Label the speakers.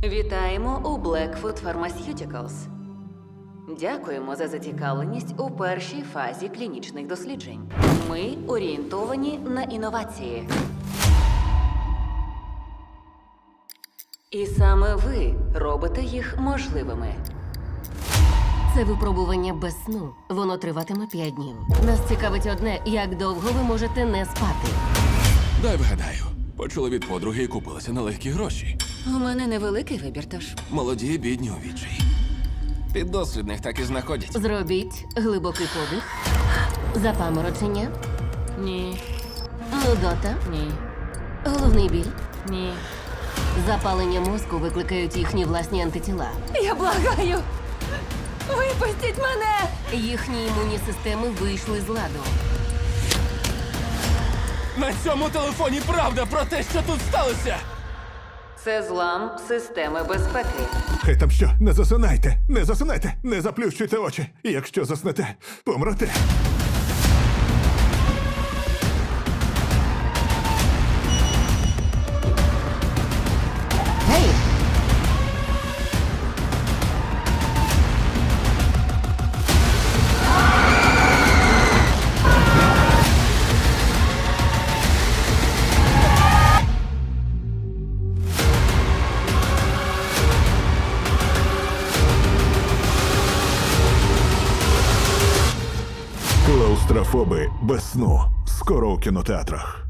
Speaker 1: Вітаємо у Blackfoot Pharmaceuticals. Дякуємо за зацікавленість у першій фазі клінічних досліджень. Ми орієнтовані на інновації. І саме ви робите їх можливими.
Speaker 2: Це випробування без сну. Воно триватиме 5 днів. Нас цікавить одне, як довго ви можете не спати.
Speaker 3: Дай вгадаю. Почули від подруги і купилися на легкі гроші.
Speaker 1: У мене невеликий вибір, тож.
Speaker 3: Молоді, бідні у відчаї. Піддослідних так і знаходять.
Speaker 2: Зробіть глибокий подих. Запаморочення.
Speaker 1: Ні,
Speaker 2: Нудота.
Speaker 1: ні,
Speaker 2: Головний біль.
Speaker 1: ні.
Speaker 2: Запалення мозку викликають їхні власні антитіла.
Speaker 1: Я благаю! Випустіть мене!
Speaker 2: Їхні імунні системи вийшли з ладу.
Speaker 3: На цьому телефоні правда про те, що тут сталося!
Speaker 1: Це злам системи безпеки.
Speaker 4: Хай там що, не засинайте, не засинайте, не заплющуйте очі. Якщо заснете, помрете.
Speaker 2: Гей!
Speaker 4: Клаустрофоби без сну. Скоро у кінотеатрах.